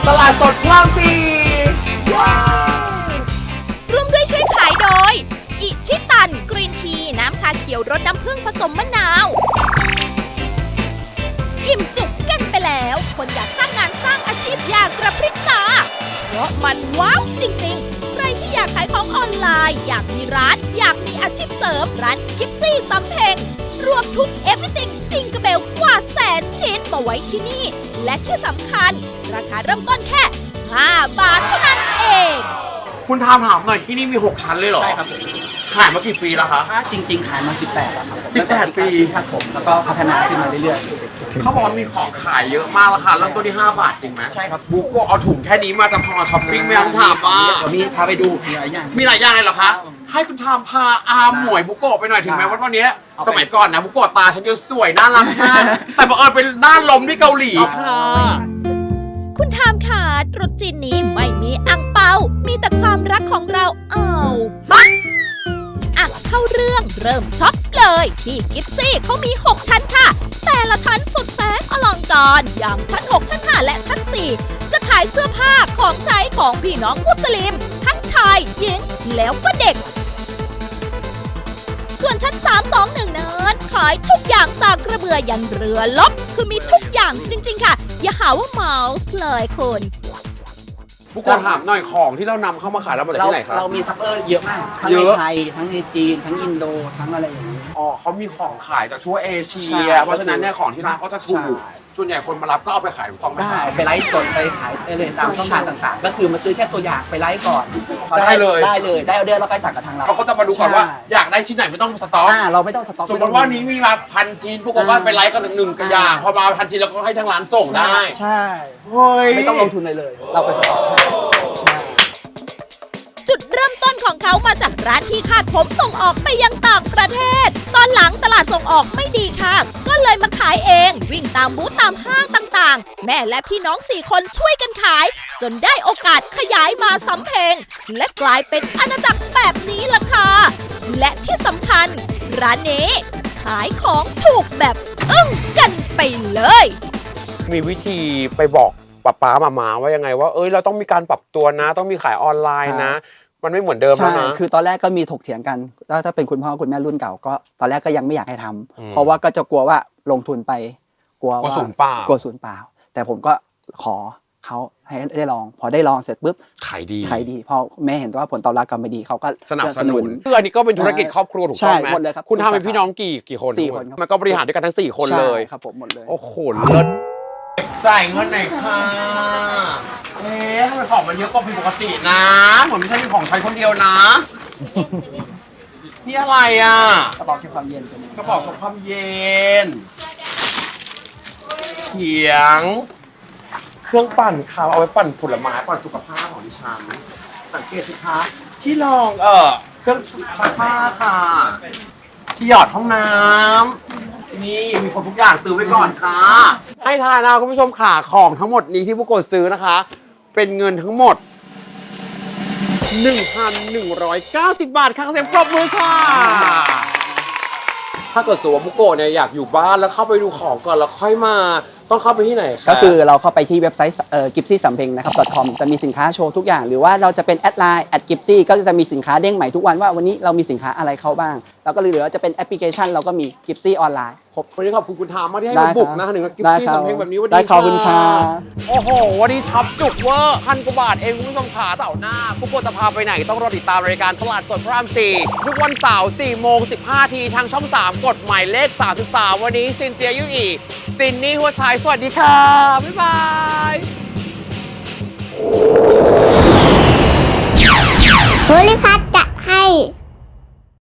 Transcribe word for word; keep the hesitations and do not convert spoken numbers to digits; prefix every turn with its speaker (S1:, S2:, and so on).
S1: ตลาดสดพระรามสี่
S2: ร่วมด้วยช่วยขายโดยอิชิตันกรีนทีน้ำชาเขียวรสน้ำผึ้งผสมมะนาวอิ่มจุกกันไปแล้วคนอยากสร้างงานสร้างอาชีพอยากกระพริบตาเพราะมันว้าวจริงๆใครที่อยากขายของออนไลน์อยากมีร้านอยากมีอาชีพเสริมร้านกิฟซี่สำเพ็งรวมทุก everything จิงกระเบลกว่าแสนชิ้นมาไว้ที่นี่และที่สำคัญราคาเริ่มต้นแค่ห้าบาทเท่านั้นเอง
S1: คุณทามถามหน่อยที่นี่มีหกชั้นเลยเหรอ
S3: ใช่ครับผม
S1: ขายมากี่ปีแล้วคะ
S3: ถ้าจริงๆ ขายมา สิบแปด แล้วครับผม
S1: สิบแปด ปี
S3: ครับผมแล้วก็พัฒนาขึ้นมาเรื่อย
S1: เขาบอกว่ามีของขายเยอะมากราคาเริ่มต้นที่ห้าบาทจริงไหม
S3: ๆ ใช่ครับ
S1: บุกโกะเอาถุงแค่นี้มาจะพอช้อปปิ้งไหมต้องถามว่า
S3: เดี๋ยวมีพาไปดูมีหลายอย่าง
S1: มีหลายอย่างเลยเหรอคะ ให้คุณทามพาอาหมวยบุกโกะไปหน่อยถึงแม้ว่าวันนี้สมัยก่อนนะบุกโกะตาฉันจะสวยน่ารักมากแต่บังเอิญเป็นด้านลมที่เกาหลีค่ะ
S2: คุณทามขาตรุษจีนนี้ไม่มีอังเปา มีแต่ความรักของเราเอาบักอ่ะเข้าเรื่องเริ่มช็อปเลยที่กิฟซี่เขามี หก ชั้นค่ะ แต่ละชั้นสุดแสนอลังการอย่างชั้น หก ชั้น ห้า และชั้น สี่ จะขายเสื้อผ้าของใช้ของพี่น้องมุสลิม ทั้งชายหญิงแล้วก็เด็ก ส่วนชั้น สาม สอง หนึ่ง นั้นขายทุกอย่างสากกระเบือยันเรือลบคือมีทุกอย่างจริงๆค่ะ อย่าหาว่าเมาส์เลยคุณ
S1: บุกโกะถามหน่อยของที่เรานำเข้ามาขายเรามาจาก
S3: เรา
S1: ที่ไหนครับ
S3: เรามีซัพเปอร์เยอะมาก ทั้ง
S1: เย
S3: ใน
S1: อะ
S3: ไทย ทั้งในจีน ทั้งอินโด ทั้งอะไรอย่างนี้
S1: อ๋อเขามีของขายจากทั่วเอเชี
S3: ใช่
S1: ย เพราะฉะนั้นเนี่ยของที่ร้านก็จะถูก
S3: ใช่
S1: ส่วนใหญ่คนมารับก็เอาไปขายถูกต้องไหม
S3: ได้
S1: ครับ
S3: ไปไลฟ์สดไปขายได้เลยตามช่องทางต่างๆ ก็คือมาซื้อแค่ตัวอย่างไปไลฟ์ก่อนพอ
S1: ได้เลย
S3: ได้เลยได้ออเดอร์แล้วก็สั่งกับทางเรา
S1: เขาก็จะมาดูก่อนว่า
S3: ใช่
S1: อยากได้ชิ้นไหนไม่ต้องสต็อก
S3: อ่าเราไม่ต้องสต็อก
S1: สมมติว่านี้มีมาพันชิ้นพวกก็ไปไลฟ์กันหนึ่งกระอย่างพอมาพันชิ้นแล้วก็ให้ทางร้านส่งได้
S3: ใช่
S1: เฮ้ย
S3: ไม่ต้องลงทุนเลยเลย เราไปสต็อกให้ใช่
S2: จุดเริ่มต้นของเขามาจากร้านที่คาดผมส่งออกไปยังต่างประเทศ ตอนหลังตลาดส่งออกไม่ดีค่ะ ก็เลยมาขายเอง วิ่งตามบูธตามห้างต่างๆ แม่และพี่น้องสี่คนช่วยกันขาย จนได้โอกาสขยายมาสำเพ็งและกลายเป็นอาณาจักรแบบนี้ล่ะค่ะ และที่สำคัญ ร้านนี้ขายของถูกแบบอึ้งกันไปเลย
S1: มีวิธีไปบอกป้าป้ามามาว่ายังไงว่าเอ้ยเราต้องมีการปรับตัวนะ ต้องมีขายออนไลน์นะ มันไม่เหมือนเดิมแล้ว
S3: ใช่
S1: นะ
S3: คือตอนแรกก็มีถกเถียงกันแล้วถ้าเป็นคุณพ่อคุณแม่รุ่นเก่าก็ตอนแรกก็ยังไม่อยากให้ทำ
S1: อืม
S3: เพราะว่าก็จะกลัวว่าลงทุนไปกลัว
S1: กลัว
S3: ว่า
S1: ศูนย์เปล่าก
S3: ลัวศูนย์เปล่า แต่ผมก็ขอเขาให้ได้ลอง พอได้ลองเสร็จปุ๊บ
S1: ขายดี
S3: ขายดีพอแม่เห็นว่าผลตอบรับกลับมาดีเขาก็
S1: สนับสนุนคืออันนี้ก็เป็นธุรกิจครอบครัวถูกต้องไหม
S3: ใช่หมดเลยครับ
S1: คุณทำเป็นพี่น้องกี่กี่คน
S3: สี่คนครับ
S1: มันก็บริหารด้วยกันทั้งสี่คน
S3: ใช่
S1: เลย
S3: ครับผมหมดเลย
S1: โอ้โหเลิศจ่ายเงินหน่อยค่ะเอ๊ะทำไมของมันเยอะกว่าปกตินะเหมือนไม่ใช่มีของใช้คนเดียวนะ นี่อะไรอ่ะ
S3: กระบอกเก็บความเย็นตัวนี้
S1: กระบอกกับความเย็นเขียง เครื่องปั่นค่ะเอาไว้ปั่นผลไม้ปั่นสุขภาพของดิฉันสังเกตสิคะที่รองเออเครื่องซักผ้าค่ะ ที่หยอดห้องน้ำนี่มีคนทุกอย่างซื้อไว้ก่อนค่ะ ให้ทายนะคุณผู้ชมค่ะของทั้งหมดนี้ที่ผู้กดซื้อนะคะ เป็นเงินทั้งหมด หนึ่งพันหนึ่งร้อยเก้าสิบบาทค่ะเสียงปรบมือค่ะ ถ้าเกิดสมมติว่าบุโกะเนี่ยอยากอยู่บ้านแล้วเข้าไปดูของก่อนแล้วค่อยมาต้องเข้าไปที่ไหนคะ
S3: ก็คือเราเข้าไปที่เว็บไซต์เอ่อ กิฟซี่ สัมเพ็ง นะครับ .com จะมีสินค้าโชว์ทุกอย่าง หรือว่าเราจะเป็นแอดไลน์ แอด กิฟซี่ ก็จะมีสินค้าเด้งใหม่ทุกวันว่าวันนี้เรามีสินค้าอะไรเข้าบ้าง แล้วก็เหลือจะเป็นแอปพลิเคชันเราก็มี กิฟซี่ ออนไลน์ครบ
S1: วันนี้ขอบคุณคุณทามมากที่ให้
S3: ได้
S1: มาบุก
S3: ครับ
S1: นะหนึ่งกิฟ
S3: ได้
S1: ซี่
S3: ครับ
S1: สำเพ็งแบบนี้วัน
S3: ได้
S1: นี้
S3: ขอบคุณครับ
S1: โอ้โห วันนี้ช็อปจุกเวอร์พันกว่าบาทเองคุณผู้ชมขาเสาร์หน้าผู้กดจะพาไปไหนต้องรอติดตามรายการตลาดสดพระรามสี่ทุกวันเสาร์สี่โมงสิบห้าทีทางช่องสามกดหมายเลขสามสิบสามวันนี้ซินเจียยุอีซินนี่หัวชายสวัสดีค่ะบ๊ายบาย